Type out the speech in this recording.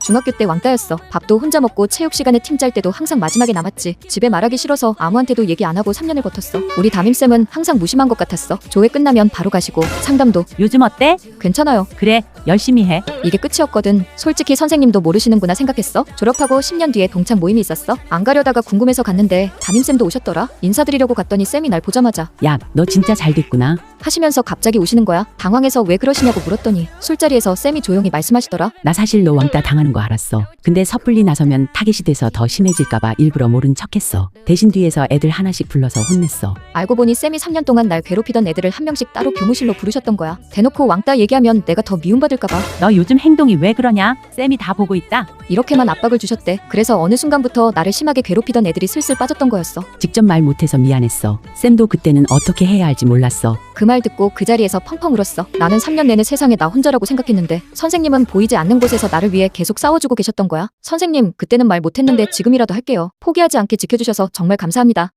중학교 때 왕따였어. 밥도 혼자 먹고 체육 시간에 팀 짤 때도 항상 마지막에 남았지. 집에 말하기 싫어서 아무한테도 얘기 안 하고 3년을 버텼어. 우리 담임쌤은 항상 무심한 것 같았어. 조회 끝나면 바로 가시고 상담도 요즘 어때? 괜찮아요. 그래, 열심히 해. 이게 끝이었거든. 솔직히 선생님도 모르시는구나 생각했어. 졸업하고 10년 뒤에 동창 모임이 있었어. 안 가려다가 궁금해서 갔는데 담임쌤도 오셨더라. 인사드리려고 갔더니 쌤이 날 보자마자 야, 너 진짜 잘 됐구나. 하시면서 갑자기 우시는 거야. 당황해서 왜 그러시냐고 물었더니 술자리에서 쌤이 조용히 말씀하시더라. 나 사실 너 왕따 당하는 거 알았어. 근데 섣불리 나서면 타겟이 돼서 더 심해질까봐 일부러 모른 척했어. 대신 뒤에서 애들 하나씩 불러서 혼냈어. 알고 보니 쌤이 3년 동안 날 괴롭히던 애들을 한 명씩 따로 교무실로 부르셨던 거야. 대놓고 왕따 얘기하면 내가 더 미움받을까봐 너 요즘 행동이 왜 그러냐? 쌤이 다 보고 있다. 이렇게만 압박을 주셨대. 그래서 어느 순간부터 나를 심하게 괴롭히던 애들이 슬슬 빠졌던 거였어. 직접 말 못해서 미안했어. 쌤도 그때는 어떻게 해야 할지 몰랐어. 그 말 듣고 그 자리에서 펑펑 울었어. 나는 3년 내내 세상에 나 혼자라고 생각했는데 선생님은 보이지 않는 곳에서 나를 위해 계속 싸워주고 계셨던 거야. 선생님, 그때는 말 못했는데 지금이라도 할게요. 포기하지 않게 지켜주셔서 정말 감사합니다.